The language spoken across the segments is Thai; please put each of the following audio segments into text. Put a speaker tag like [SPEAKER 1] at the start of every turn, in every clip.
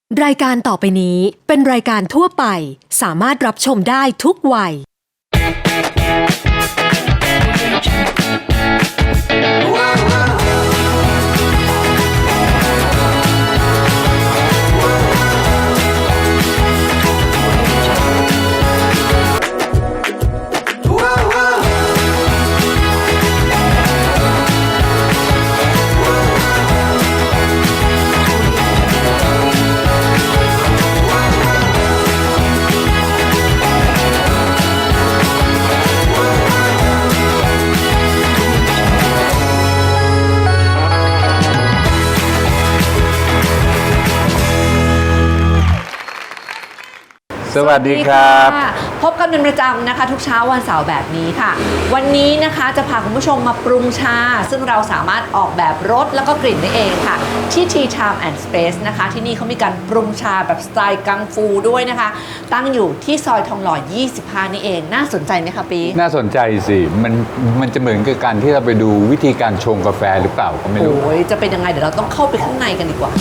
[SPEAKER 1] รายการต่อไปนี้เป็นรายการทั่วไปสามารถรับชมได้ทุกวัย
[SPEAKER 2] สวัสดีครับ
[SPEAKER 3] พบกันเป็นประจำนะคะทุกเช้าวันเสาร์แบบนี้ค่ะวันนี้นะคะจะพาคุณผู้ชมมาปรุงชาซึ่งเราสามารถออกแบบรสแล้วก็กลิ่นได้เองค่ะที่ Tea Time and Space นะคะที่นี่เขามีการปรุงชาแบบสไตล์กังฟูด้วยนะคะตั้งอยู่ที่ซอยทองหล่อ 25 นี่เองน่าสนใจไหมคะปี
[SPEAKER 2] น่าสนใจสิมันจะเหมือนกับการที่เราไปดูวิธีการชงกาแฟหรือเปล่าก็ไม่รู้
[SPEAKER 3] โอ้ยจะเป็นยังไงเดี๋ยวเราต้องเข้าไปข้างในกันดีกว่า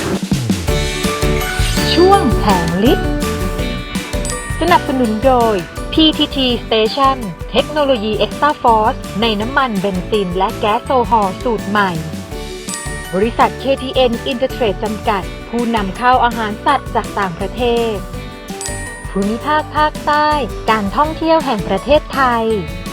[SPEAKER 4] ช่วงแผงลิตรสนับสนุนโดย PTT Station เทคโนโลยี Extra Force ในน้ำมันเบนซินและแก๊สโซฮอลสูตรใหม่ บริษัท KTN Intertrade จำกัด ผู้นำเข้าอาหารสัตว์จากต่างประเทศ ภูมิภาคภาคใต้ การท่องเที่ยวแห่งประเทศไทย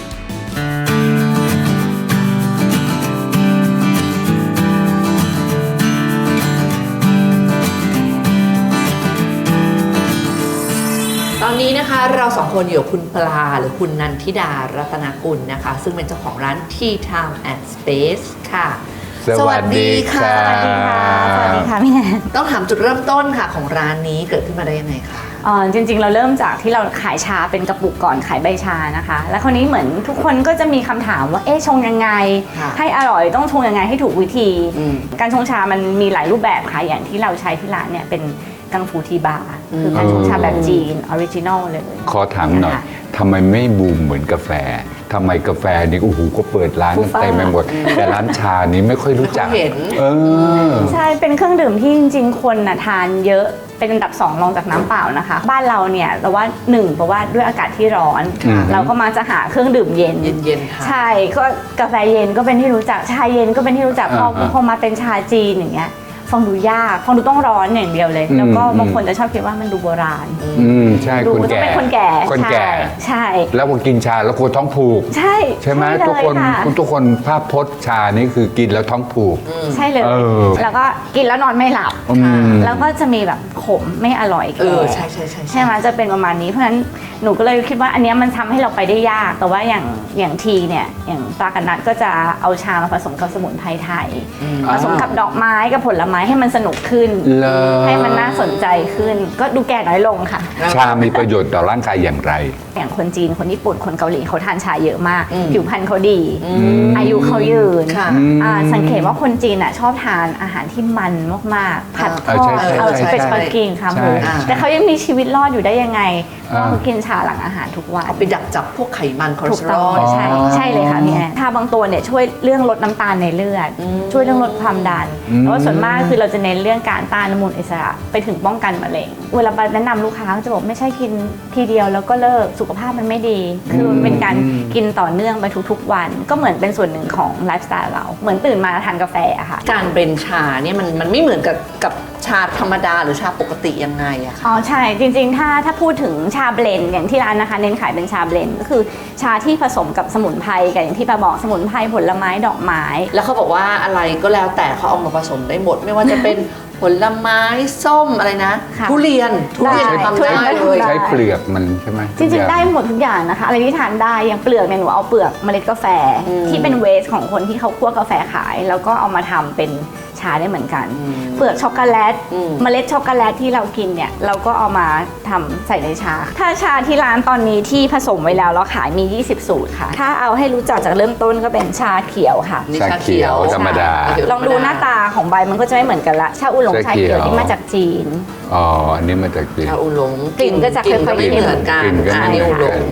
[SPEAKER 3] ตอนนี้นะคะเราสองคนอยู่กับคุณปลาหรือคุณนันทิดารัตนกุลนะคะซึ่งเป็นเจ้าของร้าน Tea Time and Space ค่ะ
[SPEAKER 2] สวัสดีค่ะ
[SPEAKER 5] สวัสดีค่ะพี่แนน
[SPEAKER 3] ต้องถามจุดเริ่มต้นค่ะของร้านนี้เกิดขึ้นมาได้ยังไงคะ
[SPEAKER 5] จริงๆเราเริ่มจากที่เราขายชาเป็นกระปุกก่อนขายใบชานะคะแล้วคราวนี้เหมือนทุกคนก็จะมีคำถามว่าชงยังไงให้อร่อยต้องชงยังไงให้ถูกวิธีการชงชามันมีหลายรูปแบบค่ะอย่างที่เราใช้ที่ร้านเนี่ยเป็นกังฟูทีบาร์คือการชงชาแบบจีนออริจินอลเลย
[SPEAKER 2] ขอถามหน่อยทำไมไม่บูมเหมือนกาแฟทำไมกาแฟนี่โอ้โหก็เปิดร้านกันเต็มไปหมดแต่ร้านชานี้ไม่ค่อยรู้จัก
[SPEAKER 3] เห็น
[SPEAKER 5] ใช่เป็นเครื่องดื่มที่จริงๆคนทานเยอะเป็นอันดับ2รองจากน้ำเปล่านะคะบ้านเราเนี่ยเราว่า1เพราะว่าด้วยอากาศที่ร้อนเราก็มาจะหาเครื่องดื่มเย็นใช่ก็กาแฟเย็นก็เป็นที่รู้จักชาเย็นก็เป็นที่รู้จักพอมาเป็นชาจีนอย่างเงี้ยฟังดูยากฟังดูต้องร้อนอย่างเดียวเลยแล้วก็บางคนจะชอบคิดว่ามันดูโบราณ
[SPEAKER 2] ใช่
[SPEAKER 5] คนแก่เป็นคนแก่ใช่
[SPEAKER 2] แล้วพอกินชาแล้วคนท้องผูกใช่ไหมทุกคนภาพพจน์ชานี่คือกินแล้วท้องผูก
[SPEAKER 5] ใช่เลยแล้วก็กินแล้วนอนไม่หลับแล้วก็จะมีแบบขมไม่อร่อย
[SPEAKER 3] ใช่
[SPEAKER 5] ใช่ไหมจะเป็นประมาณนี้เพราะฉะนั้นหนูก็เลยคิดว่าอันนี้มันทำให้เราไปได้ยากแต่ว่าอย่างทีเนี่ยอย่างปลากันนัดก็จะเอาชามาผสมกับสมุนไพรไทยผสมกับดอกไม้กับผลไม้ให้มันสนุกขึ้นให้มันน่าสนใจขึ้นก็ดูแก่น้อยลงค่ะ
[SPEAKER 2] ชามีประโยชน์ต่อร่างกายอย่างไร
[SPEAKER 5] อย่างคนจีนคนญี่ปุ่นคนเกาหลีเขาทานชาเยอะมากผิวพรรณเขาดีอายุเขายืนสังเกตว่าคนจีนชอบทานอาหารที่มันมากๆผัดทอดเป็นสปาเกตตี้ค่ะแต่เขายังมีชีวิตรอดอยู่ได้ยังไงเพราะเขากินชาหลังอาหารทุกวัน
[SPEAKER 3] เอาไปดักจับพวกไขมันคอเลสเตอรอล
[SPEAKER 5] ใช่เลยค่ะพี่แอนชาบางตัวเนี่ยช่วยเรื่องลดน้ำตาลในเลือดช่วยเรื่องลดความดันแต่ว่าส่วนมากคือเราจะเน้นเรื่องการต้านอนุมูลอิสระไปถึงป้องกันมะเร็งเวลาแนะนำลูกค้าก็จะบอกไม่ใช่กินทีเดียวแล้วก็เลิกสุขภาพมันไม่ดีคือเป็นการกินต่อเนื่องไปทุกๆวันก็เหมือนเป็นส่วนหนึ่งของไลฟ์สไตล์เราเหมือนตื่นมาทานกาแฟอะค่ะ
[SPEAKER 3] การเบรนชาเนี่ยมันไม่เหมือนกับชาธรรมดาหรือชาปกติยังไงอะคะ
[SPEAKER 5] ใช่จริงๆถ้าพูดถึงชาเบลนด์อย่างที่ร้านนะคะเน้นขายเป็นชาเบลนด์ก็คือชาที่ผสมกับสมุนไพรกับอย่างที่ปาบอกสมุนไพรผลไม้ดอกไม้
[SPEAKER 3] แล้วเขาบอกว่าอะไรก็แล้วแต่เขาเอามาผสมได้หมดไม่ว่าจะเป็นผลไม้ส้มอะไรนะทุเรียนทำได้เลย
[SPEAKER 2] ใช้เปลือกมันใช่ไหม
[SPEAKER 5] จริงๆได้หมดทุกอย่างนะคะอะไรที่ทานได้อย่างเปลือกเนี่ยหนูเอาเปลือกเมล็ดกาแฟที่เป็นเวสของคนที่เขาคั่วกาแฟขายแล้วก็เอามาทำเป็นชาได้เหมือนกันเปลือกช็อกโกแลตเมล็ดช็อกโกแลตที่เรากินเนี่ยเราก็เอามาทำใส่ในชาถ้าชาที่ร้านตอนนี้ที่ผสมไว้แล้วเราขายมี20สูตรค่ะถ้าเอาให้รู้จักจากเริ่มต้นก็เป็นชาเขียวค่ะ
[SPEAKER 2] ชาเขียวธรรมดา
[SPEAKER 5] ลองดูหน้าตาของใบมันก็จะไม่เหมือนกันละชาอูหลงชาเขียวนี่มาจากจีน
[SPEAKER 2] อันนี้มาจากจีน
[SPEAKER 3] ชาอูหลง
[SPEAKER 5] กลิ่นก็จะค่อยๆ
[SPEAKER 3] ไม่เหมือนกันอันนี้อูหลง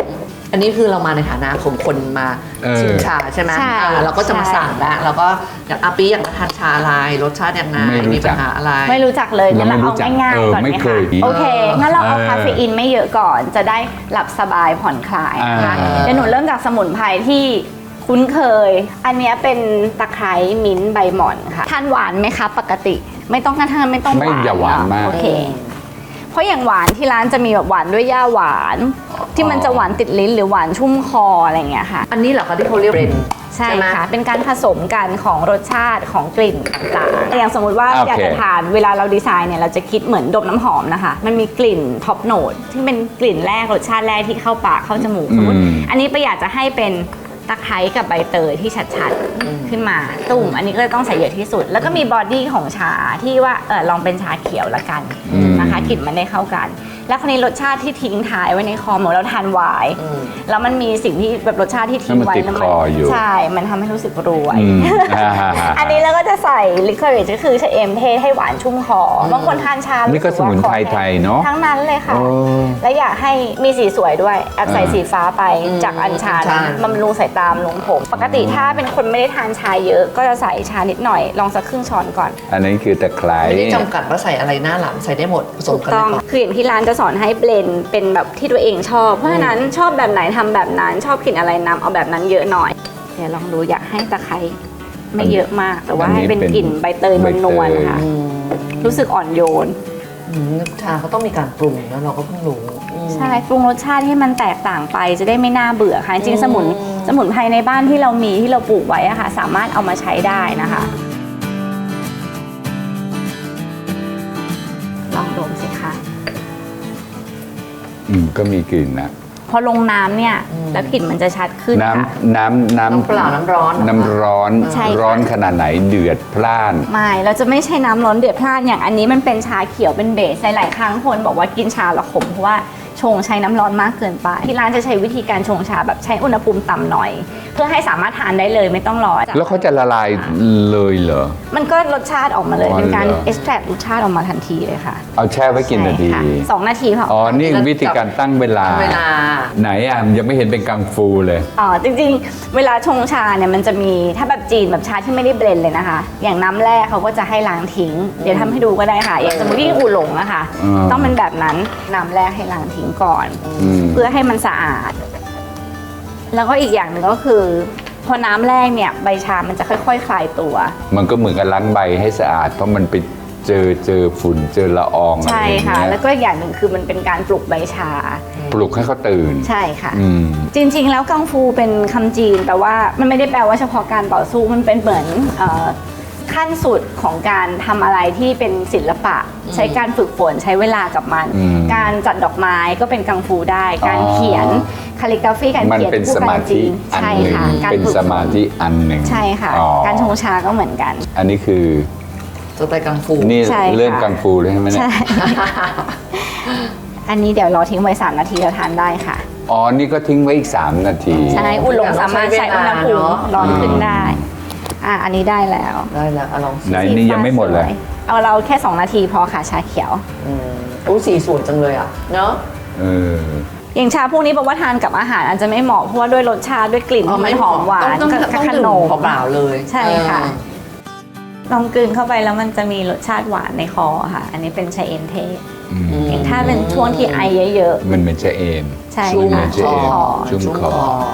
[SPEAKER 3] อันนี้คือเรามาในฐานะของคนมาชิมชาใช่ไหม
[SPEAKER 5] ใช่
[SPEAKER 3] เราก็จะมาสั่งแล้วเราก็อย่างอาปีอยากทานชาอะไรรสชาติยังไงมีปัญหาอะไร
[SPEAKER 5] ไม่รู้จักเลยงั้นเราเอาง่ายๆก่อนไหม
[SPEAKER 2] ไม่เค
[SPEAKER 5] คะ
[SPEAKER 2] ย
[SPEAKER 5] โอเคงั้นเราเอาคาเฟอีนไม่เยอะก่อนจะได้หลับสบายผ่อนคลายนะคะเดี๋ยวหนูเริ่มจากสมุนไพรที่คุ้นเคย อันเนี้ยเป็นตะไคร้มิ้นท์ใบหม่อนค่ะทานหวานไหมคะปกติไม่ต้องทานไม่ต้องหวาน
[SPEAKER 2] ไม่อย่าหวานมาก
[SPEAKER 5] โอเค เพราะอย่างหวานที่ร้านจะมีแบบหวานด้วยย่าหวาน ที่มันจะหวานติดลิ้นหรือหวานชุ่มคออะไรอย่างเงี้ยค่ะ
[SPEAKER 3] อันนี้เหรอคะที่เขาเรียกเบรน
[SPEAKER 5] ใช่
[SPEAKER 3] ไหม
[SPEAKER 5] ค่ะ เป็นการผสมกันของรสชาติของกลิ่นต่างๆอย่างสมมติว่า
[SPEAKER 2] โอเค
[SPEAKER 5] อยากจะทานเวลาเราดีไซน์เนี่ยเราจะคิดเหมือนดมน้ำหอมนะคะ มันมีกลิ่นท็อปโนตที่เป็นกลิ่นแรกรสชาติแรกที่เข้าปากเข้าจมูกสมมติอันนี้ประหยัดจะให้เป็นตะไคร้กับใบเตยที่ชัดๆขึ้นมาตุ่มอันนี้ก็ต้องใส่เยอะที่สุด แล้วก็มีบอดี้ของชาที่ว่าลองเป็นชาเขียวละกันนะคะกลิ่นมันได้เข้ากัน แล้วคราวนี้รสชาติที่ทิ้งท้ายไว้ในคอเหมือนเราทานไวน์แล้วมันมีสิ่งที่แบบรสชาติที่ทิ้งไว้
[SPEAKER 2] แล้วมันติดคออยู่
[SPEAKER 5] ใช่ มันทำให้รู้สึกรวย
[SPEAKER 2] อั
[SPEAKER 5] อันนี้เราก็จะใส่ลิคอริชก็คือชะเอมเทศให้หวานชุ่มคอบางคนทานชา
[SPEAKER 2] นี่ก็สมุนไพรไทยเนาะ
[SPEAKER 5] ทั้งนั้นเลยค่ะ
[SPEAKER 2] โอ้
[SPEAKER 5] และอยากให้มีสีสวยด้วยแอบใส่สีฟ้าไปจากอัญชันบำรุงสายตาบำรุงผม ปกติถ้าเป็นคนไม่ได้ทานชาเยอะ ก็จะใส่ชานิดหน่อยลองสักครึ่งช้อนก่อน
[SPEAKER 2] อันนี้คือตะไคร้
[SPEAKER 3] ไม่ได้จำกัดว่าใส่อะไรหน้าหลังใส่ได้หมดผสม
[SPEAKER 5] ถูก
[SPEAKER 3] กัน
[SPEAKER 5] ต้อง
[SPEAKER 3] เลย
[SPEAKER 5] คืออย่างที่ร้านจะสอนให้เบลนด์เป็นแบบที่ตัวเองชอบ เพราะฉะนั้นชอบแบบไหนทำแบบนั้น ชอบกลิ่นอะไรนำเอาแบบนั้นเยอะหน่อย เดี๋ยวลองดูอยากให้ตะไคร้ไม่เยอะมาก แต่ว่าให้เป็นกลิ่นใบเตยนวลๆนะคะรู้สึกอ่อนโยน
[SPEAKER 3] ชาเขาต้องมีการปรุงนะเราก็เพิ่งรู้
[SPEAKER 5] ใช่ปรุงรสชาติให้มันแตกต่างไปจะได้ไม่น่าเบื่อค่ะจริงๆสมุนไพรในบ้านที่เรามีที่เราปลูกไว้อะค่ะสามารถเอามาใช้ได้นะคะลองดมสิคะ
[SPEAKER 2] ก็มีกลิ่นนะ
[SPEAKER 5] พอลงน้ำเนี่ยแล้วกลิ่นมันจะชัดขึ้นค่ะ
[SPEAKER 2] น้ำ
[SPEAKER 3] เปล่าน้ำร้อน
[SPEAKER 2] น้ำร้อน
[SPEAKER 5] ใช่ค่ะ
[SPEAKER 2] ร้อนขนาดไหนเดือดพล่าน
[SPEAKER 5] ไม่เราจะไม่ใช่น้ำร้อนเดือดพล่านอย่างอันนี้มันเป็นชาเขียวเป็นเบสหลายๆครั้งคนบอกว่ากินชาและขมเพราะว่าชงใช้น้ำร้อนมากเกินไปที่ร้านจะใช้วิธีการชงชาแบบใช้อุณหภูมิต่ำหน่อย เพื่อให้สามารถทานได้เลยไม่ต้องรอ
[SPEAKER 2] แล้วเขาจะละลายเลยเหรอ
[SPEAKER 5] มันก็รสชาติออกมาเลย
[SPEAKER 2] อ๋อ
[SPEAKER 5] เป็นการ
[SPEAKER 2] เหรอ
[SPEAKER 5] เอ็กซ์แทรรสชาติออกมาทันทีเลยค่ะ
[SPEAKER 2] เอาแช่ไว้กี่นาที
[SPEAKER 5] ใช่ค่ะ2 นาทีพอ
[SPEAKER 2] อ๋อ นี่วิธีการตั้งเวลา
[SPEAKER 3] เวลา
[SPEAKER 2] ไหนอ่ะยังไม่เห็นเป็นกังฟูเลย
[SPEAKER 5] อ๋อจริงๆ เวลาชงชาเนี่ยมันจะมีถ้าแบบจีนแบบชาที่ไม่ได้เบลนด์เลยนะคะ อย่างน้ำแรกเขาก็จะให้ล้างทิ้ง เดี๋ยวทำให้ดูก็ได้ค่ะ อย่างสมมติที่อูหลงอะค่ะ ต้องเป็นแบบนั้นน้ำแรกให้ล้างทิ้งก่อน เพื่อให้มันสะอาด แล้วก็อีกอย่างหนึ่งก็คือ พอน้ำแรกเนี่ยใบชามันจะค่อยๆคลายตัว
[SPEAKER 2] มันก็เหมือนกับล้างใบให้สะอาด เพราะมันไปเจอฝุ่นเจอละอองอะไร
[SPEAKER 5] ใช่
[SPEAKER 2] อย่าง
[SPEAKER 5] ค่ะ
[SPEAKER 2] เงี้ย
[SPEAKER 5] แล้วก็อีกอย่างหนึ่งคือมันเป็นการปลุกใบชา
[SPEAKER 2] ปลุกให้เขาตื่น
[SPEAKER 5] ใช่ค่ะ
[SPEAKER 2] อืม
[SPEAKER 5] จริงๆ แล้วกังฟูเป็นคำจีนแต่ว่ามันไม่ได้แปลว่าเฉพาะการต่อสู้มันเป็นเหมือนขั้นสุดของการทำอะไรที่เป็นศิลปะ ใช้การฝึกฝนใช้เวลากับมัน การจัดดอกไม้ก็เป็นกังฟูได้ การเขียนคาลิกราฟีการ
[SPEAKER 2] มัน
[SPEAKER 5] เขียน
[SPEAKER 2] เป็น
[SPEAKER 5] ผู้
[SPEAKER 2] ส
[SPEAKER 5] กั
[SPEAKER 2] มาน ธิ
[SPEAKER 5] จีน
[SPEAKER 2] อัน
[SPEAKER 5] ใช่
[SPEAKER 2] หนึ่ง
[SPEAKER 5] ค่ะการ
[SPEAKER 2] เป็น
[SPEAKER 5] ฝึก
[SPEAKER 2] สมาธิอันหนึ่ง
[SPEAKER 5] ใช่ค่ะ
[SPEAKER 2] อ๋อ
[SPEAKER 5] การชงชาก็เหมือนกัน
[SPEAKER 2] อันนี้คือ
[SPEAKER 3] สไตล์กังฟู
[SPEAKER 2] นี่
[SPEAKER 5] ใช่ค่ะ
[SPEAKER 2] เรื่องกังฟูเลยใช่ไหมเนี่ย
[SPEAKER 5] ใช่ อันนี้เดี๋ยวรอทิ้งไว้3 นาทีแล้วทานได้ค่ะ
[SPEAKER 2] อ๋อ นี่ก็ทิ้งไว้อีก 3 นาที
[SPEAKER 5] ใช่อุ่นลงสามารถใช้อุณหภูมิร้อนขึ้นได้ อันนี้ได้แล้ว
[SPEAKER 3] ได้แล้วเอาลอง
[SPEAKER 2] ไหนนี่ยังไม่หมดเลย
[SPEAKER 5] เอาเราแค่2 นาทีพอค่ะชาเขียว
[SPEAKER 3] สีสวยจังเลยอ่ะเนาะ
[SPEAKER 2] เออ
[SPEAKER 5] อย่างชาพวกนี้บอกว่าทานกับอาหารอาจจะไม่เหมาะเพราะว่าด้วยรสชาติด้วยกลิ่นที่มันหอมหวาน
[SPEAKER 3] ต้อง
[SPEAKER 5] กับ
[SPEAKER 3] ข
[SPEAKER 5] ข
[SPEAKER 3] น
[SPEAKER 5] น
[SPEAKER 3] ม
[SPEAKER 5] ม
[SPEAKER 3] เปล่าๆเลย
[SPEAKER 5] ใช่ค่ะ ลองกลืนเข้าไปแล้วมันจะมีรสชาติหวานในคอค่ะ อันนี้เป็นชาเอมเทศอย่างถ้าเป็นช่วงที่ไอเยอะ
[SPEAKER 2] มันเหมือนจะเอม
[SPEAKER 5] ๆ ใช่
[SPEAKER 2] ชุ่ม
[SPEAKER 5] ค่ะ
[SPEAKER 2] เฉย
[SPEAKER 5] คอ
[SPEAKER 2] ชุ่มคอ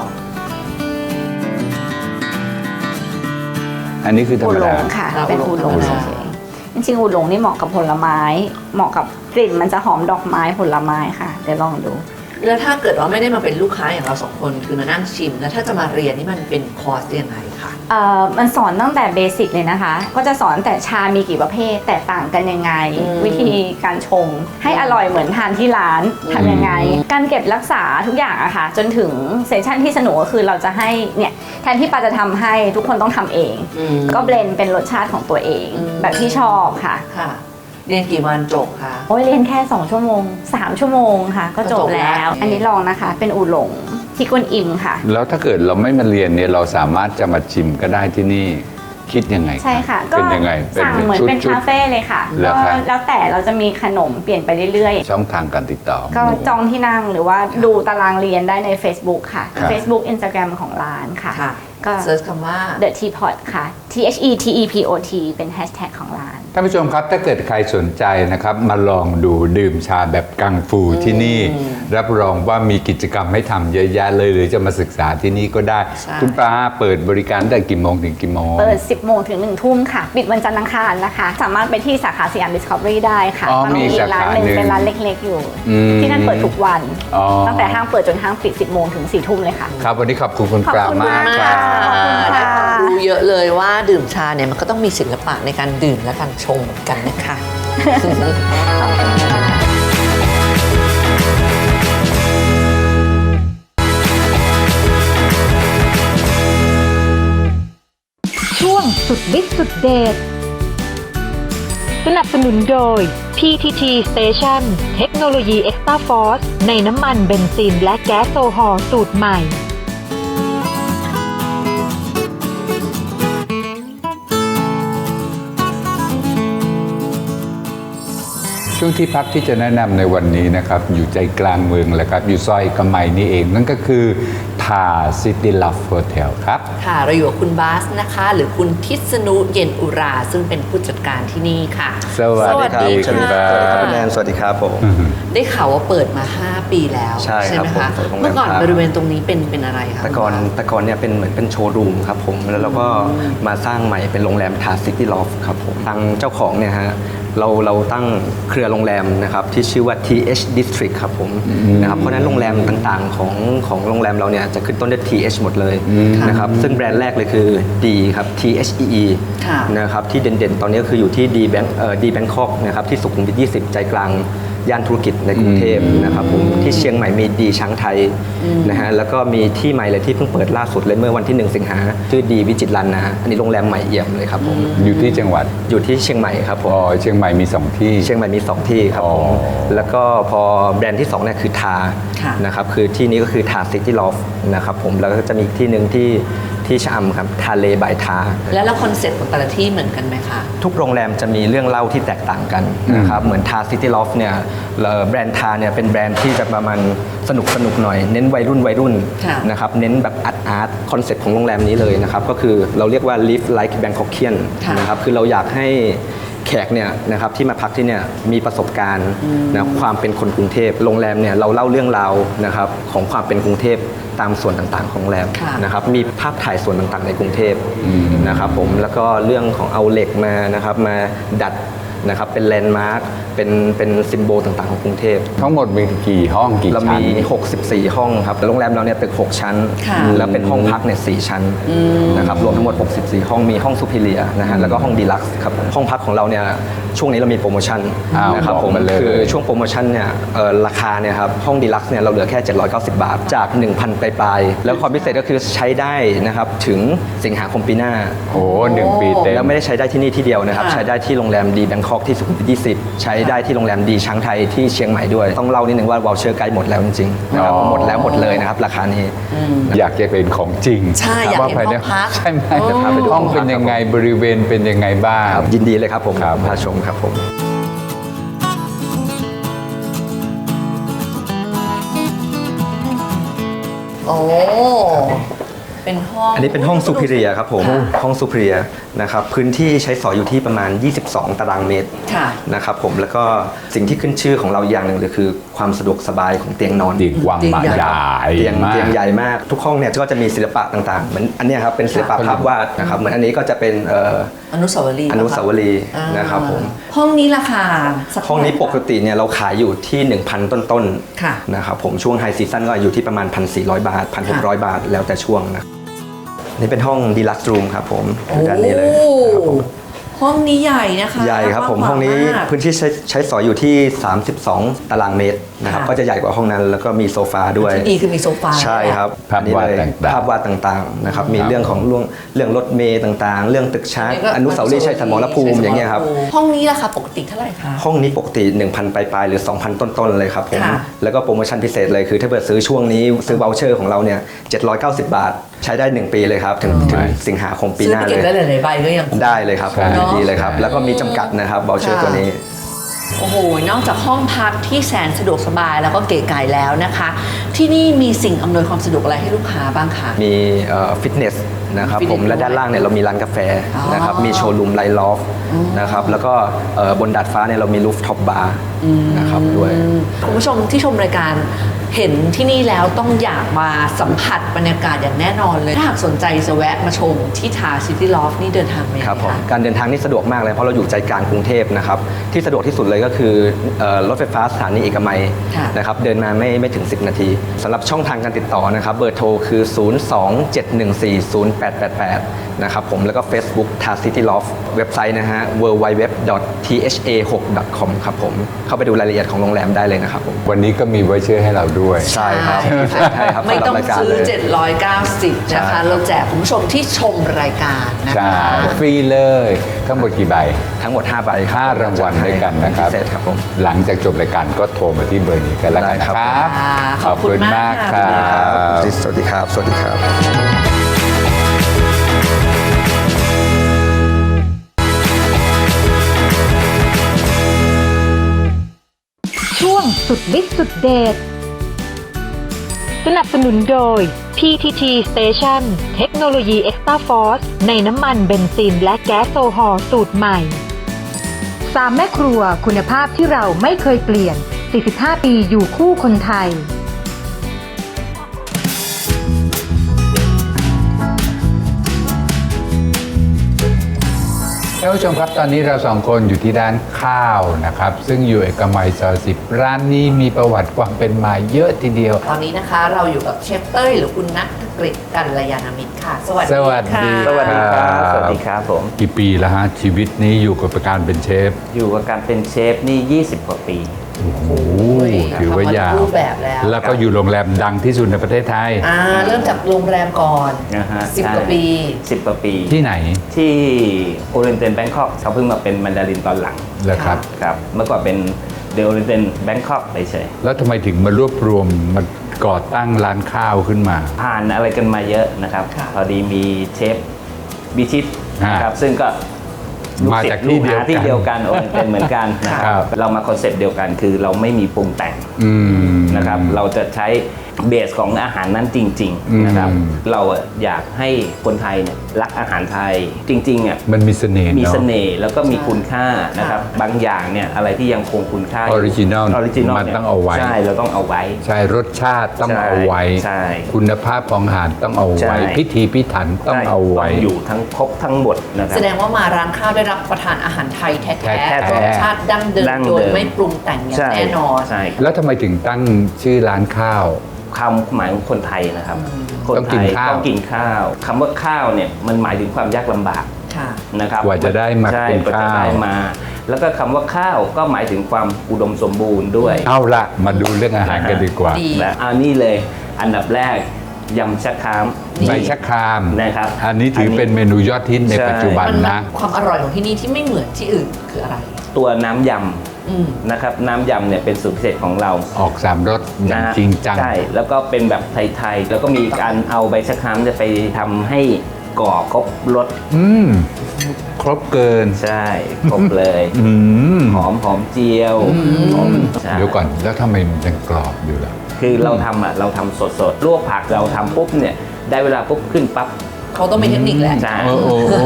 [SPEAKER 2] อันนี้คือธร
[SPEAKER 5] อู
[SPEAKER 2] รม
[SPEAKER 5] หล
[SPEAKER 2] ดา
[SPEAKER 5] งค่ะ
[SPEAKER 3] ครับ
[SPEAKER 5] เป็นอูหลง
[SPEAKER 3] อูหลง
[SPEAKER 5] เฉยๆจริงๆอูหลงนี่เหมาะกับผลไม้ เหมาะกับกลิ่นมันจะหอมดอกไม้ผลไม้ค่ะ เดี๋ยวลองดู
[SPEAKER 3] แล้วถ้าเกิดว่าไม่ได้มาเป็นลูกค้าอย่างเรา2 คนคือมานั่งชิม แล้วถ้าจะมาเรียนนี่มันเป็นคอร์สยังไงคะ
[SPEAKER 5] มันสอนตั้งแต่เบสิกเลยนะคะ ก็จะสอนแต่ชามีกี่ประเภท แตกต่างกันยังไง วิธีการชง ให้อร่อยเหมือนทานที่ร้านทำยังไง การเก็บรักษาทุกอย่างอะค่ะ จนถึงเซสชั่นที่สนุกก็คือเราจะให้เนี่ยแทนที่ปาจะทำให้ทุกคนต้องทำเอง ก็เบลนด์เป็นรสชาติของตัวเอง แบบที่ชอบค่ะ
[SPEAKER 3] ค่ะ เรียนกี่วันจบคะ
[SPEAKER 5] โอ้ยเรียนแค่2 ชั่วโมง 3 ชั่วโมงค่ะ ก็จบแล้ว อันนี้ลองนะคะ เป็นอูหลงที่กวนอิมค่ะ
[SPEAKER 2] แล้วถ้าเกิดเราไม่มาเรียนเนี่ยเราสามารถจะมาชิมก็ได้ที่นี่คิดยังไง
[SPEAKER 5] ใช่ค่ะก็
[SPEAKER 2] เป็นยังไง
[SPEAKER 5] สั่งเหมือนเป็น
[SPEAKER 2] ชุด
[SPEAKER 5] คาเฟ่เลยค่ะ
[SPEAKER 2] เหรอ
[SPEAKER 5] ก็
[SPEAKER 2] ครับ
[SPEAKER 5] แล้วแต่เราจะมีขนมเปลี่ยนไปเรื่อย
[SPEAKER 2] ช่องทางการติดต่อ
[SPEAKER 5] ๆ ก็จองที่นั่งหรือว่าดูตารางเรียนได้ใน Facebook ค่ะ
[SPEAKER 2] ครับ
[SPEAKER 5] Facebook Instagram ของร้านค่ะ
[SPEAKER 3] ค่ะ
[SPEAKER 5] ก็
[SPEAKER 3] เซิร์ชคำว่า
[SPEAKER 5] The Teapot ค่ะ THETEPOT เป็นแฮชแท็กของร้าน
[SPEAKER 2] ท่านผู้ชมครับถ้าเกิดใครสนใจนะครับมาลองดูดื่มชาแบบกังฟูที่นี่ รับรองว่ามีกิจกรรมให้ทำเยอะแยะเลยหรือจะมาศึกษาที่นี่ก็ได้
[SPEAKER 3] ใช่
[SPEAKER 2] คุณปลาเปิดบริการตั้งแต่กี่โมงถึงกี่โมง
[SPEAKER 5] เปิด 10 โมงถึง 1 ทุ่มค่ะ ปิดวันจันทร์อังคารนะคะ สามารถไปที่สาขาสยาม Discovery ได้ค่ะ
[SPEAKER 2] อ๋อ
[SPEAKER 5] ตอนนี้
[SPEAKER 2] มีสาขา
[SPEAKER 5] ร้านหนึ่ง
[SPEAKER 2] หนึ่ง
[SPEAKER 5] เป็นร้านเล็กๆอยู่
[SPEAKER 2] อืม
[SPEAKER 5] ที่นั่นเปิดทุกวัน
[SPEAKER 2] อ๋อ
[SPEAKER 5] ตั้งแต่ห้างเปิดจนห้างปิด 10 โมงถึง 4 ทุ่มเลยค่ะ
[SPEAKER 2] ครับวันนี้ขอบคุณคุณปลามากค
[SPEAKER 5] ข
[SPEAKER 2] รั
[SPEAKER 5] อบคุณ
[SPEAKER 2] บ
[SPEAKER 5] ค่ะ
[SPEAKER 3] ได้ความรู้เยอะเลยว่าดื่มชาเนี่ยมันก็ต้องมีศิลปะในการดื่มและการชงเหมือนกันนะคะ
[SPEAKER 4] ช่วงสุดฤทธิ์สุดเดชสนับสนุนโดย PTT Station เทคโนโลยี Extra Force ในน้ำมันเบนซินและแก๊สโซฮอล์สูตรใหม่
[SPEAKER 2] ช่วงที่พักที่จะแนะนำในวันนี้นะครับอยู่ใจกลางเมืองแหละครับอยู่ซอยกำไมนี่เองนั่นก็คือทาซิตี้ลัฟโฮเทลครับ
[SPEAKER 3] ค่ะเราอยู่กับคุณบาสนะคะ หรือคุณทิศนุเย็นอุรา ซึ่งเป็นผู้จัดการที่นี่ค่ะ
[SPEAKER 2] สวัสดีคุณบาส
[SPEAKER 6] สวัสดีครับคุณแนนสวัสดีครับผม
[SPEAKER 3] ได้ข่าวว่าเปิดมา 5 ปีแล้ว
[SPEAKER 6] ใช่ครับ
[SPEAKER 3] ไหมคะ
[SPEAKER 6] ผมเปิดโรงแรม
[SPEAKER 3] เมื่อก่อน
[SPEAKER 6] ครับ
[SPEAKER 3] บริเวณตรงนี้เป็นอะไรคะ
[SPEAKER 6] แต่ก่อนเนี่ยเป็นเหมือนเป็นโชว์รูมครับผมแล้วเราก็มาสร้างใหม่เป็นโรงแรมทาซิตี้ลอฟครับผมทางเจ้าของเนี่ยฮะเราตั้งเครือโรงแรมนะครับที่ชื่อว่า TH District ครับผมนะครับเพราะฉะนั้นโรงแรมต่างๆของโรงแรมเราเนี่ยจะขึ้นต้นด้วย TH หมดเลยนะครับซึ่งแบรนด์แรกเลยคือ D ครับ THEE
[SPEAKER 3] ค่ะ
[SPEAKER 6] นะครับที่เด่นๆ ตอนนี้ก็คืออยู่ที่ D Bangkok นะครับที่สุขุมวิท 20 ใจกลางย่านธุรกิจในกรุงเทพนะครับผมที่เชียงใหม่มีดีช้างไทยนะฮะแล้วก็มีที่ใหม่เลยที่เพิ่งเปิดล่าสุดเลยเมื่อวันที่ 1 สิงหาชื่อดีวิจิตรลันนะฮะอันนี้โรงแรมใหม่เอี่ยมเลยครับผม
[SPEAKER 2] อยู่ที่จังหวัด
[SPEAKER 6] อยู่ที่เชียงใหม่ครับผม
[SPEAKER 2] อ๋อเชียงใหม่มี 2 ที่
[SPEAKER 6] เชียงใหม่มี 2 ที่ครับผม
[SPEAKER 2] อ๋อ
[SPEAKER 6] แล้วก็พอแบรนด์ที่2เนี่ยคือทา
[SPEAKER 3] ค่ะ
[SPEAKER 6] นะครับคือที่นี้ก็คือทาซิตี้ลอฟนะครับผมแล้วก็จะมีอีกที่หนึ่งที่ชะอำครับทาเลบายทา
[SPEAKER 3] แล้วคอนเซ็ปต์ของแต่ละที่เหมือนกันไหมคะ
[SPEAKER 6] ทุกโรงแรมจะมีเรื่องเล่าที่แตกต่างกันนะครับเหมือนทาซิตี้ลอฟเนี่ยแบรนด์ทาเนี่ยเป็นแบรนด์ที่จะประมาณสนุกหน่อยเน้นวัยรุ่น
[SPEAKER 3] ค่ะ
[SPEAKER 6] นะครับเน้นแบบอาร์ตคอนเซ็ปต์ของโรงแรมนี้เลยนะครับก็คือเราเรียกว่า live like Bangkokian
[SPEAKER 3] ค่ะ
[SPEAKER 6] นะครับคือเราอยากให้แขกเนี่ยนะครับที่มาพักที่เนี่ยมีประสบการณ์นะความเป็นคนกรุงเทพโรงแรมเนี่ยเราเล่าเรื่องราวนะครับของความเป็นกรุงเทพตามส่วนต่างๆของโรงแรม
[SPEAKER 3] ค่ะ
[SPEAKER 6] นะครับมีภาพถ่ายส่วนต่างๆในกรุงเทพนะครับผมแล้วก็เรื่องของเอาเหล็กมานะครับมาดัดนะครับเป็นแลนด์มาร์คเป็นซิมโบลต่างๆของกรุงเทพ
[SPEAKER 2] ทั้งหมดมีกี่ห้องกี่
[SPEAKER 6] เรา
[SPEAKER 2] ชั้น
[SPEAKER 6] มี 64 ห้องครับโรงแรมเราเนี่ยเป็น 6 ชั้น
[SPEAKER 3] ค่ะ
[SPEAKER 6] แล้วเป็นห้องพักเนี่ย4ชั้นนะครับรวมทั้งหมด 64 ห้องมีห้องซูเปอร์เรียนะฮะแล้วก็ห้องดีลักซ์ครับห้องพักของเราเนี่ยช่วงนี้เรามีโปรโมชั่น
[SPEAKER 2] อ้าว
[SPEAKER 6] นะครับ
[SPEAKER 2] บอก
[SPEAKER 6] ผม
[SPEAKER 2] มาเลย
[SPEAKER 6] คือช่วงโปรโมชั่นเนี่ยราคาเนี่ยครับห้องดีลักซ์เนี่ยเราเหลือแค่ 790 บาทจาก 1,000 ปลายๆแล้วความพิเศษก็คือใช้ได้นะครับถึงสิงหาคมปีหน้า
[SPEAKER 2] โอ้1 ปีเต็ม
[SPEAKER 6] แล้วไม่ได้ใช้ได้ที่นี่ที่เดียวนะครับ
[SPEAKER 3] ค่ะ
[SPEAKER 6] ใช้ได้ที่โรงแรมดีแบงคอกที่สุขุมวิท 20 ใช้ได้ที่โรงแรมดีช้างไทยที่เชียงใหม่ด้วย ต้องเล่านิดนึงว่าวอลเชอร์ใกล้หมดแล้วจริงๆนะครับ
[SPEAKER 2] อ๋อ
[SPEAKER 6] หมดแล้วหมดเลยนะครับราคานี้
[SPEAKER 2] อยากจะเป็นของจริง
[SPEAKER 3] ใช่อยากเห็น
[SPEAKER 2] ว่ภใน
[SPEAKER 3] ห้องพัก
[SPEAKER 2] ใช่ไหม
[SPEAKER 6] จะพาไปดู
[SPEAKER 2] ห้องเป็นยังไงบริเวณเป็นยังไงบ้าง
[SPEAKER 6] ครับยินดีเลยครับผม
[SPEAKER 2] ครับ
[SPEAKER 6] พาชมครับผม
[SPEAKER 3] โอ้เป็นห้อง
[SPEAKER 6] อันนี้เป็นห้องซูเปอร์เรียครับผมห้องซูเปอร์เรียนะครับพื้นที่ใช้สอยอยู่ที่ประมาณ 22 ตารางเมตร
[SPEAKER 3] ค่ะ
[SPEAKER 6] นะครับผมแล้วก็สิ่งที่ขึ้นชื่อของเราอย่างหนึ่งเลยคือความสะดวกสบายของเตียงนอน
[SPEAKER 2] ดีกว้างมากใหญ่
[SPEAKER 6] เตียง
[SPEAKER 2] มาก
[SPEAKER 6] ใหญ่มากทุกห้องเนี่ยก็จะมีศิลปะต่างๆเหมือนอันเนี้ยครับเป็นศิลปะภาพวาดนะครับเหมือนอันนี้ก็จะเป็น
[SPEAKER 3] อนุสาวรีย์
[SPEAKER 6] อนุสาวรีย์
[SPEAKER 3] อ่า
[SPEAKER 6] นะครับผม
[SPEAKER 3] ห้องนี้ราคาสัก
[SPEAKER 6] ห้องนี้ปกติเนี่ยเราขายอยู่ที่ 1,000 ต้น
[SPEAKER 3] ค่ะ
[SPEAKER 6] ๆนะครับผมช่วงไฮซีซั่นก็อยู่ที่ประมาณ 1,400 บาท 1,600 บาทแล้วแต่ช่วงนะนี่เป็นห้องดีลักซ์รูมครับผมอยู่ด้านนี้เลยครับผม
[SPEAKER 3] ห้องนี้ใหญ่นะคะ
[SPEAKER 6] ใหญ่ครับผม
[SPEAKER 3] กว้า
[SPEAKER 6] ห้องนี้
[SPEAKER 3] มาก
[SPEAKER 6] พื้นที่ใช้สอยอยู่ที่ 32 ตารางเมตรนะครับ
[SPEAKER 3] ค่ะ
[SPEAKER 6] ก็จะใหญ่กว่าห้องนั้นแล้วก็มีโซฟาด้วย
[SPEAKER 3] ที่ดีคือมีโซฟา
[SPEAKER 6] ใช่ครับ
[SPEAKER 2] ภาพวาด
[SPEAKER 6] อันนี้เลย
[SPEAKER 2] ต่างๆ
[SPEAKER 6] ภาพวาดต่างๆนะครับมี
[SPEAKER 2] ครับ
[SPEAKER 6] เรื่องของเรื่องรถเมล์ต่างๆ เรื่องตึกช้าง
[SPEAKER 3] นี่ก็
[SPEAKER 6] อนุสาวรีย์ชัยสมรภูมิอย่างเงี้ยครับ
[SPEAKER 3] ห้องนี้ราคาปกติเท่าไหร่คะ
[SPEAKER 6] ห้องนี้ปกติ 1,000 ปลายๆหรือ 2,000 ต้นๆเลยครับผม
[SPEAKER 3] ค่ะ
[SPEAKER 6] แล้วก็โปรโมชั่นพิเศษเลยคือถ้าเกิดซื้อช่วงนี้ซื้อ voucher ของเราเนี่ย790 บาทใช้ได้ 1 ปีเลยครับ ถึงสิงหาคมปี
[SPEAKER 3] ซื้
[SPEAKER 6] ห
[SPEAKER 3] อ
[SPEAKER 6] น้า
[SPEAKER 3] ไป
[SPEAKER 6] เล
[SPEAKER 3] เก็บ
[SPEAKER 6] ย
[SPEAKER 3] ได้หลายๆใบก็ยัง
[SPEAKER 6] ได้เลยครับ
[SPEAKER 2] ใช่
[SPEAKER 6] ดีเลยครับ แล้วก็มีจำกัดนะครับเบลเชอร์
[SPEAKER 3] ค่ะ
[SPEAKER 6] ตัวนี้
[SPEAKER 3] โอ้โห นอกจากห้องพักที่แสนสะดวกสบายแล้วก็เก๋ไก๋แล้วนะคะ ที่นี่มีสิ่งอำนวยความสะดวกอะไรให้ลูกค้าบ้างคะ
[SPEAKER 6] มีฟิตเนสนะครับ
[SPEAKER 3] ฟิตเนส
[SPEAKER 6] ผมและด้านล่างเนี่ยเรามีร้านกาแฟ
[SPEAKER 3] อ๋อ
[SPEAKER 6] นะครับมีโชว์รูมไลท์ลอฟนะครับแล้วก็บนดาดฟ้าเนี่ยเรามีรูฟท็อปบาร์นะครับด้วย
[SPEAKER 3] คุณผู้ชมที่ชมรายการเห็นที่นี่แล้วต้องอยากมาสัมผัสบรรยากาศอย่างแน่นอนเลย ถ้าหากสนใจจะแวะมาชมที่ทาซิตี้ลอฟนี่เดินทางไปยังไง
[SPEAKER 6] ครับผม
[SPEAKER 3] คะ
[SPEAKER 6] การเดินทางนี่สะดวกมากเลยเพราะเราอยู่ใจกลางกรุงเทพนะครับที่สะดวกที่สุดเลยก็คือรถไฟฟ้าสถานีเอกมัย
[SPEAKER 3] ค่ะ
[SPEAKER 6] นะครับเดินมาไม่ถึง 10 นาทีสำหรับช่องทางการติดต่อนะครับเบอร์โทรคือ 027140888 นะครับผมแล้วก็ Facebook t a City Loft เว็บไซต์นะฮะ www.tha6.com ครับผมเข้าไปดูรายละเอียดของโรงแรมได้เลยนะครับผม
[SPEAKER 2] วันนี้ก็มีไว้เชื่อให้เราด้วย
[SPEAKER 6] ใช่ครับพิเศษให้ครับ
[SPEAKER 3] ไม่ต้อง
[SPEAKER 6] สำหรับรายการ
[SPEAKER 3] ซื้อ
[SPEAKER 6] เลย
[SPEAKER 3] 790
[SPEAKER 6] ใช่
[SPEAKER 3] นะ
[SPEAKER 6] ครั
[SPEAKER 3] คะ
[SPEAKER 6] บ
[SPEAKER 3] เราแจกคุณผู้ชมที่ชมรายการนะ
[SPEAKER 2] ใช่
[SPEAKER 3] คะ
[SPEAKER 2] ฟรีเลยทั้งหมดกี่ใบ
[SPEAKER 6] ทั้งหมด5ใบคบ
[SPEAKER 2] 5 รางวัลด้วยกันนะครับ
[SPEAKER 6] พิเศษครับผม
[SPEAKER 2] หลังจากจบรายการก็โทรมาที่เบอร์นี้กันแล้วกันนะครับ
[SPEAKER 3] ได้ครับขอบคุณมาก
[SPEAKER 2] ค
[SPEAKER 3] ค่ะ
[SPEAKER 2] รับ
[SPEAKER 6] สวัสดีครับ สวัสดีครับ
[SPEAKER 4] ช่วงสุดฤทธิ์สุดเดชสนับสนุนโดย PTT Station เทคโนโลยี Extra Force ในน้ำมันเบนซินและแก๊สโซฮอล์สูตรใหม่3 แม่ครัวคุณภาพที่เราไม่เคยเปลี่ยน 45 ปีอยู่คู่คนไทย
[SPEAKER 2] ท่านผู้ชมครับตอนนี้เราสองคนอยู่ที่ร้านข้าวนะครับ ซึ่งอยู่เอกมัยซอย10 ร้านนี้มีประวัติความเป็นมาเยอะทีเดียว
[SPEAKER 3] ตอนนี้นะคะเราอยู่กับเชฟเต้ยหรือคุณนัทกฤษกัลยาณมิตรค่ะ สวัสดี
[SPEAKER 2] สวัสดี
[SPEAKER 3] ค่ะ
[SPEAKER 7] สวัสดีครับ สวัสดีครับผม
[SPEAKER 2] กี่ปีแล้วฮะชีวิตนี้อยู่กับการเป็นเชฟ
[SPEAKER 7] อยู่กับการเป็นเชฟนี่ 20 กว่าปี
[SPEAKER 2] โอ้โหถือว่ายาว
[SPEAKER 3] รูปแบบแล้ว
[SPEAKER 2] แล้วก็อยู่โรงแรมดังที่สุดในประเทศไทย
[SPEAKER 3] เริ่มจากโรงแรมก่อน
[SPEAKER 7] นะฮะ
[SPEAKER 3] 10 กว่าปี
[SPEAKER 7] 10 กว่าปี
[SPEAKER 2] ที่ไหน
[SPEAKER 7] ที่โอเรนเตนแบงคอกเขาเพิ่งมาเป็นมันดารินตอนหลัง
[SPEAKER 2] เหรอครับ
[SPEAKER 7] ครับ เมื่อก่อนเป็นเดโอเรนเตนแบงคอกเฉย
[SPEAKER 2] แล้วทำไมถึงมารวบรวมมาก่อตั้งร้านข้าวขึ้นมา
[SPEAKER 7] ๆผ่านอะไรกันมาเยอะนะครับ
[SPEAKER 3] ค่ะ
[SPEAKER 7] พอดีมีเชฟบิชิตนะครับ ซึ่งก็
[SPEAKER 2] มาจากที่เดียวกัน
[SPEAKER 7] ลูกศิษย์ที่เดียวกันโอเรนเตนเหมือนกันนะค
[SPEAKER 2] ครั
[SPEAKER 7] รับ บ เรามาคอนเซปต์เดียวกันคือเราไม่มีปรุงแต่ง
[SPEAKER 2] อืม
[SPEAKER 7] นะครับเราจะใช้เบสของอาหารนั้นจริง
[SPEAKER 2] อืม
[SPEAKER 7] ๆนะครับเราอะอยากให้คนไทยเนี่ยรักอาหารไทยจริงๆอ่ะ
[SPEAKER 2] มันมีเสน่ห์
[SPEAKER 7] มี
[SPEAKER 2] เนาะ
[SPEAKER 7] เสน่ห์แล้วก็มีคุณค่านะครับบางอย่างเนี่ยอะไรที่ยังคงคุณค่า
[SPEAKER 2] Original มันต้องเอาไว้
[SPEAKER 7] ใช่เราต้องเอาไว้
[SPEAKER 2] ใช่รสชาติต้อง
[SPEAKER 7] ใช่
[SPEAKER 2] เอาไว้
[SPEAKER 7] ใช่
[SPEAKER 2] คุณภาพของอาหารต้องเอา
[SPEAKER 7] ใช่
[SPEAKER 2] ไว้ พิธีพิถันต้องเอาไว้
[SPEAKER 7] ต้องอยู่ทั้งครบทั้งหมดนะครั
[SPEAKER 3] แสดงว่ามาร้านข้าวได้รับประทานอาหารไทยแท้
[SPEAKER 2] แท้ๆ
[SPEAKER 3] ๆรสชาติดั้งเดิม
[SPEAKER 7] ดั้ง
[SPEAKER 3] โด
[SPEAKER 7] เดิ
[SPEAKER 3] ย
[SPEAKER 7] ม
[SPEAKER 3] ไม่ปรุงแต่งอย่าง
[SPEAKER 7] ใช่
[SPEAKER 3] แน่นอน
[SPEAKER 7] ใช่
[SPEAKER 2] แล้วทำไมถึงตั้งชื่อร้านข้าว
[SPEAKER 7] ความหมายของคนไทยนะครับคน
[SPEAKER 2] ต้อง
[SPEAKER 7] ไท
[SPEAKER 2] กิน
[SPEAKER 7] ย
[SPEAKER 2] ข้าว
[SPEAKER 7] ต้องกินข้าวคำว่าข้าวเนี่ยมันหมายถึงความยากลำบาก
[SPEAKER 3] ค่ะ
[SPEAKER 7] นะครับ
[SPEAKER 2] กว่าจะได้มา
[SPEAKER 7] ใช่
[SPEAKER 2] เป็น
[SPEAKER 7] กว่าจะ
[SPEAKER 2] ข้าว
[SPEAKER 7] ได้มา แล้วก็คำว่าข้าวก็หมายถึงความอุดมสมบูรณ์ด้วย
[SPEAKER 2] เอาละมาดูเรื่องอาหารกันดีกว่า
[SPEAKER 3] ดี
[SPEAKER 7] และอันนี้เลยอันดับแรกยำชะคราม
[SPEAKER 2] ใบชะคราม
[SPEAKER 7] นะครับ
[SPEAKER 2] อันนี้ถือเป็นเมนูยอดฮิตใน
[SPEAKER 7] ใช่
[SPEAKER 2] ปัจจุบัน
[SPEAKER 3] มัน
[SPEAKER 2] นะ
[SPEAKER 3] ความอร่อยของที่นี่ที่ไม่เหมือนที่อื่นคืออะไร
[SPEAKER 7] ตัวน้ำย
[SPEAKER 3] อืม
[SPEAKER 7] ำนะครับน้ำยำเนี่ยเป็นสูตรพิเศษของเรา
[SPEAKER 2] ออกสามรสอย่าง
[SPEAKER 7] นะฮะ
[SPEAKER 2] จริงจัง
[SPEAKER 7] ใช่แล้วก็เป็นแบบไทยๆแล้วก็มีการเอาใบชะครามจะไปทำให้ก่อครบรส
[SPEAKER 2] อืมครบเกิน
[SPEAKER 7] ใช่ครบเลย
[SPEAKER 2] อืม
[SPEAKER 7] หอมเจียวหอมใช่
[SPEAKER 2] เดี๋ยวก่อนแล้วทำไมมันยังกรอบอยู่ล่ะ
[SPEAKER 7] คือเราทำสดๆลวกผักเราทำปุ๊บเนี่ยได้เวลาปุ๊บขึ้นปั๊บ
[SPEAKER 3] เขาต้องมีเทคนิคแหละ
[SPEAKER 7] ใช่
[SPEAKER 2] โอ้โอ้โอ้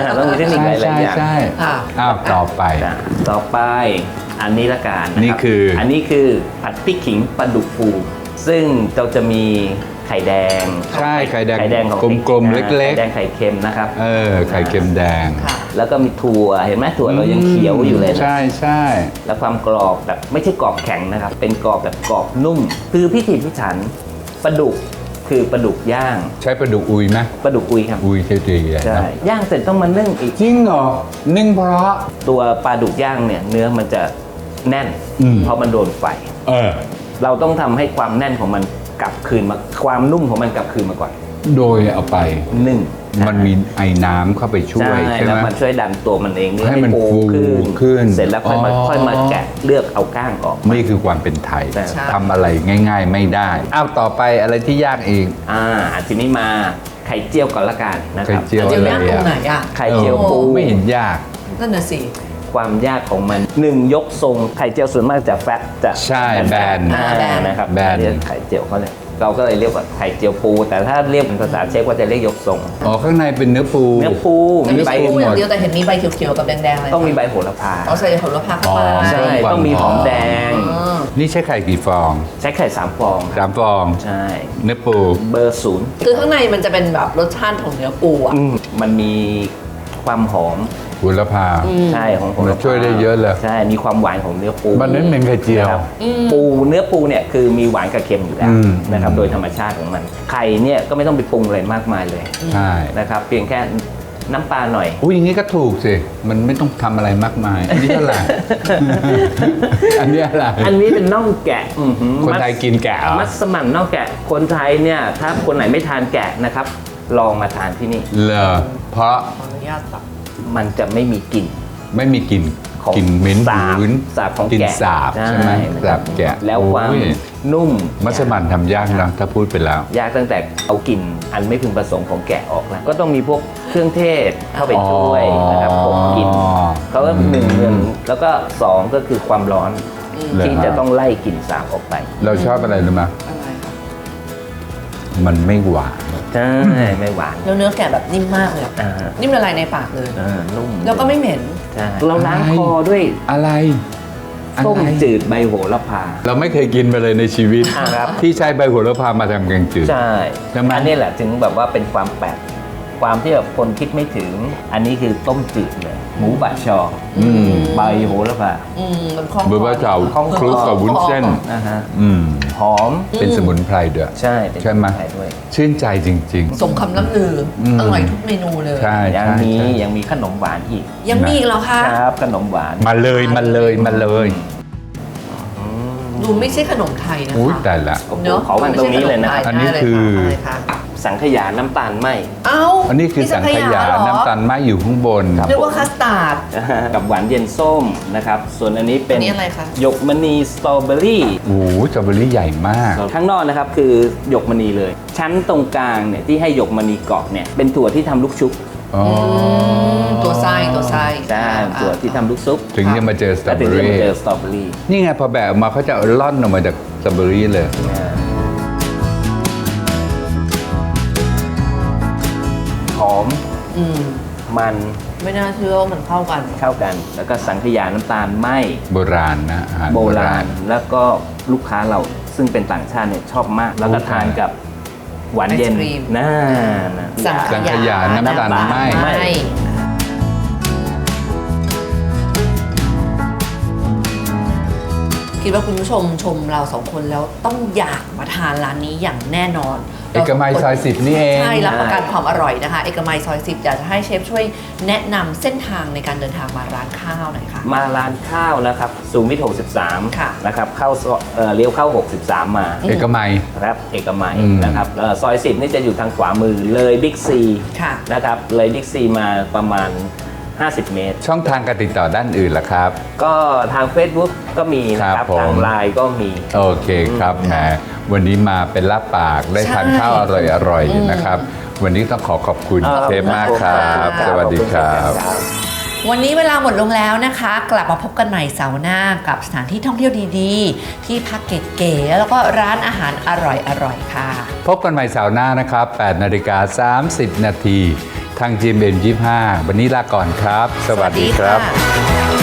[SPEAKER 7] ต้องมีเทคนิคหลายๆ
[SPEAKER 2] ใช่
[SPEAKER 7] อย่าง
[SPEAKER 2] ใช่
[SPEAKER 3] ค่ะ
[SPEAKER 2] อ้าวต่อไป
[SPEAKER 7] จ้ะต่อไปอันนี้ละกันนะรับ
[SPEAKER 2] นี่คืออั
[SPEAKER 7] นนี้คือผัดพริกขิงปลาดุกฟู ซึ่งเราจะมีไข่แดง
[SPEAKER 2] ใช่ไข่แดง
[SPEAKER 7] ของ
[SPEAKER 2] กลมๆ
[SPEAKER 7] พริ
[SPEAKER 2] เล็กๆ
[SPEAKER 7] ไข่แดงไข่เค็มนะครับ
[SPEAKER 2] ไข่เค็มแดง
[SPEAKER 3] ค่ะ
[SPEAKER 7] แล้วก็มีถั่วเห็นไหมถั่วเรายังเขียวอยู่เลยนะ
[SPEAKER 2] ใช่ใช่
[SPEAKER 7] แล้วความกรอบแบบไม่ใช่กรอบแข็งนะครับ เป็นกรอบแบบกรอบนุ่ม คือพิถีพิถันปลาดุกคือปลาดุกย่าง
[SPEAKER 2] ใช้ปลาดุกอุยไหม
[SPEAKER 7] ปลาดุกอุยครับ
[SPEAKER 2] อุยเท่ๆเลย
[SPEAKER 7] ใช่
[SPEAKER 2] นะ
[SPEAKER 7] ย่างเสร็จต้องมานึ่งอีก
[SPEAKER 2] จริงเหรอนึ่งเพราะ
[SPEAKER 7] ตัวปลาดุกย่างเนี่ยเนื้อมันจะแน่น
[SPEAKER 2] อืม
[SPEAKER 7] เพราะมันโดนไฟ
[SPEAKER 2] เออ
[SPEAKER 7] เราต้องทำให้ความแน่นของมันกลับคืนมาความนุ่มของมันกลับคืนมาก่อน
[SPEAKER 2] โดยเอาไป
[SPEAKER 7] นึ่ง
[SPEAKER 2] มันมีไอ้น้ำเข้าไปช่วยใช่
[SPEAKER 7] แล้ว
[SPEAKER 2] ไหม
[SPEAKER 7] มันช่วยดันตัวมันเอง
[SPEAKER 2] ให้มันฟู
[SPEAKER 7] ขึ้น
[SPEAKER 2] ขึ้น
[SPEAKER 7] เสร็จแล้วค่อยมา
[SPEAKER 2] อ๋อ
[SPEAKER 7] ค่อยมาแกะเลือกเอาก้างออกมา
[SPEAKER 2] นี่คือความเป็นไทย
[SPEAKER 7] ใช่
[SPEAKER 2] ทำอะไรง่าย ๆ ไม่ได้อ้าวต่อไปอะไรที่ยากเอง
[SPEAKER 7] ทีนี้มาไข่เจียวก่อนละกันนะค
[SPEAKER 2] ไข่
[SPEAKER 7] รับ
[SPEAKER 2] เจียว
[SPEAKER 3] เจียว
[SPEAKER 2] อะไร
[SPEAKER 3] ย่างตรงไหน
[SPEAKER 2] อ่ะ
[SPEAKER 3] อ่ะ
[SPEAKER 7] ไข่เจียวปู
[SPEAKER 2] ไม่เห็นยาก
[SPEAKER 3] นั่นน่ะสิ
[SPEAKER 7] ความยากของมัน1ยกทรงไข่เจียวส่วนมากจะแฟตจะ
[SPEAKER 2] ใช่แบน
[SPEAKER 3] แบน
[SPEAKER 7] นะครับ
[SPEAKER 2] แบน
[SPEAKER 7] เรียกไข่เจียวเขาเลยเราก็เลยเรียกว่าไข่เจียวปู แต่ถ้าเรียกเป็นภาษาเชฟก็จะเรียกยกทรง
[SPEAKER 2] อ๋อข้างในเป็นเนื้อปู
[SPEAKER 7] เนื้อปูมีใบ
[SPEAKER 3] ปูอย่างเดียวแต่เห็นมีใบเขียวๆกับแดงๆอะไร
[SPEAKER 7] ต้องมีใบโหระพา
[SPEAKER 3] เอาใส่ผลไม้เข้าไป
[SPEAKER 2] อ๋อ
[SPEAKER 7] ใช่ต้องมีหอมแดง
[SPEAKER 2] นี่ใช้ไข่กี่ฟอง
[SPEAKER 7] ใช้ไข่3 ฟอง
[SPEAKER 2] 3 ฟอง
[SPEAKER 7] ใช่
[SPEAKER 2] เนื้อปู
[SPEAKER 7] เบอร์ศูนย์
[SPEAKER 3] คือข้างในมันจะเป็นแบบรสชาติของเนื้อปูอ่ะ
[SPEAKER 7] มันมีความหอม
[SPEAKER 2] หุลพา
[SPEAKER 7] ใช่ของโหระ
[SPEAKER 2] มัน
[SPEAKER 7] พา
[SPEAKER 2] ช่วยได้เยอะเลย
[SPEAKER 7] ใช่มีความหวานของเนื้อปู
[SPEAKER 2] มันนั้นเป็นไข่เจียว
[SPEAKER 7] นะครับปูเนื้อปูเนี่ยคือมีหวานกับเค็มอยู่แล้ว
[SPEAKER 2] อืม
[SPEAKER 7] นะครับโดยธรรมชาติของมันไข่เนี่ยก็ไม่ต้องไปปรุงอะไรมากมายเลย
[SPEAKER 2] ใช่
[SPEAKER 7] นะครับเพียงแค่น้ำปลาหน่อย
[SPEAKER 2] อุ้ยอย่างนี้ก็ถูกสิ มันไม่ต้องทำอะไรมากมาย อันนี้อะไร อันนี้อะไร
[SPEAKER 7] อันนี้เป็นน่องแกะ
[SPEAKER 2] คนไทยกินแกะเหรอ
[SPEAKER 7] มัสมั่นน่องแกะคนไทยเนี่ยถ้าคนไหนไม่ทานแกะนะครับ ลองมาทานที่นี่
[SPEAKER 2] เหรอเพราะ
[SPEAKER 3] ขออนุญาตตัก
[SPEAKER 7] มันจะไม่มีกลิ่น
[SPEAKER 2] ไม่มีกลิ่น
[SPEAKER 7] ของ
[SPEAKER 2] กลิ่นเหม็น
[SPEAKER 7] สาบ
[SPEAKER 2] หืน
[SPEAKER 7] สาบของ
[SPEAKER 2] กลิ่น
[SPEAKER 7] แกะ
[SPEAKER 2] สาบใช่ไหม
[SPEAKER 7] นะค
[SPEAKER 2] สา
[SPEAKER 7] รับบ
[SPEAKER 2] แกะ
[SPEAKER 7] แล้วความ
[SPEAKER 2] โอ้ย
[SPEAKER 7] นุ่ม
[SPEAKER 2] มัสมั่นทำยากนะถ้าพูดไปแล้ว
[SPEAKER 7] ยากตั้งแต่เอากลิ่นอันไม่พึงประสงค์ของแกะออกแล้วก็ต้องมีพวกเครื่องเทศเข้าไปช่วยนะครับผมกลิ่นเขาก็หนึ่งแล้วก็สองก็คือความร้อน ที่จะต้องไล่กลิ่นสาบออกไป
[SPEAKER 2] เราชอบอะไรรู้ไหม
[SPEAKER 3] อะไรคะ
[SPEAKER 2] มันไม่หวาน
[SPEAKER 7] ใช่ไม่หวาน
[SPEAKER 3] แล้วเนื้อแกะแบบนิ่มมากเลย
[SPEAKER 7] อ่า
[SPEAKER 3] นิ่มละลายในปากเลย
[SPEAKER 7] นุ่ม
[SPEAKER 3] แล้วก็ไม่เหม็น
[SPEAKER 7] ใช่เราล้าง
[SPEAKER 2] อะไร
[SPEAKER 7] คอด้วย
[SPEAKER 2] อะไร
[SPEAKER 7] ต้ม
[SPEAKER 2] อะไร
[SPEAKER 7] จืดใบโหระพา
[SPEAKER 2] เราไม่เคยกินไปเลยในชีวิต
[SPEAKER 7] ครับ
[SPEAKER 2] ที่ใช้ใบโหระพามาทำแกงจืด
[SPEAKER 7] ใช่
[SPEAKER 2] ใช่ไหม
[SPEAKER 7] อันนี้แหละถึงแบบว่าเป็นความแปลกความที่แบบคนคิดไม่ถึง อันนี้คือต้มจืดเลยหมูบะชออใบโหระพา
[SPEAKER 3] มันคล่อง
[SPEAKER 2] เบอร์ว่าเจ้า
[SPEAKER 7] ของ
[SPEAKER 2] คลุกกับวุ้นเส้น
[SPEAKER 7] นะฮะ
[SPEAKER 2] อืม
[SPEAKER 7] หอม
[SPEAKER 2] เป็นสมุนไพรด้วย
[SPEAKER 7] ใช่เป็น
[SPEAKER 2] ใช่ไหม
[SPEAKER 7] ไทยด้วย
[SPEAKER 2] ชื่นใจจริง
[SPEAKER 3] สมคำล่ำลืออ
[SPEAKER 2] ม
[SPEAKER 3] อร่อยทุกเมนูเลย
[SPEAKER 2] ๆ ใช่
[SPEAKER 7] ยัง
[SPEAKER 2] ใช่
[SPEAKER 7] มี
[SPEAKER 2] ใช่
[SPEAKER 7] ยังมีขนมหวานอีก
[SPEAKER 3] ยังมีอีกเหรอคะ
[SPEAKER 7] ครับขนมหวาน
[SPEAKER 2] มาเลยมาเลยมาเลย
[SPEAKER 3] ดูไม่ใช่ขนมไทยนะ
[SPEAKER 2] อุ้ย
[SPEAKER 3] คะ
[SPEAKER 2] แต่ละ
[SPEAKER 3] เนอะ
[SPEAKER 7] ขอวางตรงนี้เลยนะครับ
[SPEAKER 2] อันนี้คือ
[SPEAKER 3] อะไรคะ
[SPEAKER 7] สังขยาน้ำตาลไหม
[SPEAKER 3] เอ้า
[SPEAKER 2] อันนี้คือสังขยา
[SPEAKER 3] เหรอ
[SPEAKER 2] น้ำตาลไหมอยู่ข้างบน
[SPEAKER 3] เรียกว่าคัสตาร์ด
[SPEAKER 7] กับหวานเย็นส้มนะครับ ส่วนอันนี้เป็น
[SPEAKER 3] อันนี้อะไรคะ
[SPEAKER 7] หยกมณีสตรอเบอรี่
[SPEAKER 2] โอ้โหสตรอเบอรี่ใหญ่มาก
[SPEAKER 7] ข้างนอกนะครับคือหยกมณีเลย ชั้นตรงกลางเนี่ยที่ให้หยกมณีเกาะเนี่ยเป็นถั่วที่ทำลูกชุบ
[SPEAKER 2] อ๋อ
[SPEAKER 3] ตัวไส้
[SPEAKER 7] ใช่ถั่วที่ทำลูกซุป
[SPEAKER 2] ถึงจะมาเจอสตรอ
[SPEAKER 7] แล้ว
[SPEAKER 2] เบ
[SPEAKER 7] ถึ
[SPEAKER 2] อง
[SPEAKER 7] จะมา
[SPEAKER 2] รี่
[SPEAKER 7] เจอสตรอเบอรี่
[SPEAKER 2] นี่ไงพอแบะออกมาเขาจะล่อนออกมาจากสตรอเบอรี่เลย
[SPEAKER 7] หอม
[SPEAKER 3] อืม
[SPEAKER 7] มัน
[SPEAKER 3] ไม่น่าเชื่อว่ามันเข้ากัน
[SPEAKER 7] เข้ากัน แล้วก็สังขยาน้ำตาลไหม
[SPEAKER 2] โบราณนะอาหาร
[SPEAKER 7] โบราณ แล้วก็ลูกค้าเราซึ่งเป็นต่างชาติเนี่ยชอบมาก แล้วก็ทานกับหวานเย็น
[SPEAKER 3] ไอศกรีม
[SPEAKER 7] น่า
[SPEAKER 3] สัง
[SPEAKER 2] สังขยาน้ำตาลไหม
[SPEAKER 3] ไม่คิดว่าคุณผู้ชมชมเราสองคนแล้วต้องอยากมาทานร้านนี้อย่างแน่นอน
[SPEAKER 2] เอกมัยซอย10นี่เอง
[SPEAKER 3] ใช่รับประกันความอร่อยนะคะ เอกมัยซอย 10 อยากจะให้เชฟช่วยแนะนำเส้นทางในการเดินทางมาร้านข้าวหน่อยค่ะ
[SPEAKER 7] มาร้านข้าวนะครับสุขุมวิท
[SPEAKER 3] ค่ะ
[SPEAKER 7] 63 นะครับเข้าเลี้ยวเข้า 63 มา
[SPEAKER 2] เอกมัย
[SPEAKER 7] ครับเอกมัย
[SPEAKER 2] อืม
[SPEAKER 7] นะครับซอย 10 นี่จะอยู่ทางขวามือเลยบิ๊กซี
[SPEAKER 3] ค่ะ
[SPEAKER 7] นะครับเลยบิ๊กซีมาประมาณ 50 เมตร
[SPEAKER 2] ช่องทางการติดต่อด้านอื่นล่ะครับ
[SPEAKER 7] ก็ทาง Facebook ก็มีนะครับ
[SPEAKER 2] ผม
[SPEAKER 7] ทางไลน์ก็มี
[SPEAKER 2] โอเคครับแหมวันนี้มาเป็นลาบปากได้ทานข้าวอร่อยๆนะครับ วันนี้ต้องขอบคุณเชฟมากครับ สวัสดีครับ
[SPEAKER 3] วันนี้เวลาหมดลงแล้วนะคะ กลับมาพบกันใหม่เสาร์หน้ากับสถานที่ท่องเที่ยวดีๆ ที่พักเก๋ๆแล้วก็ร้านอาหารอร่อยๆค่ะ
[SPEAKER 2] พบกันใหม่เสาร์หน้านะครับ 8:30 น. ทาง GMM25 วันนี้ลาก่อนครับ สวัสดีครับ
[SPEAKER 3] ค่ะ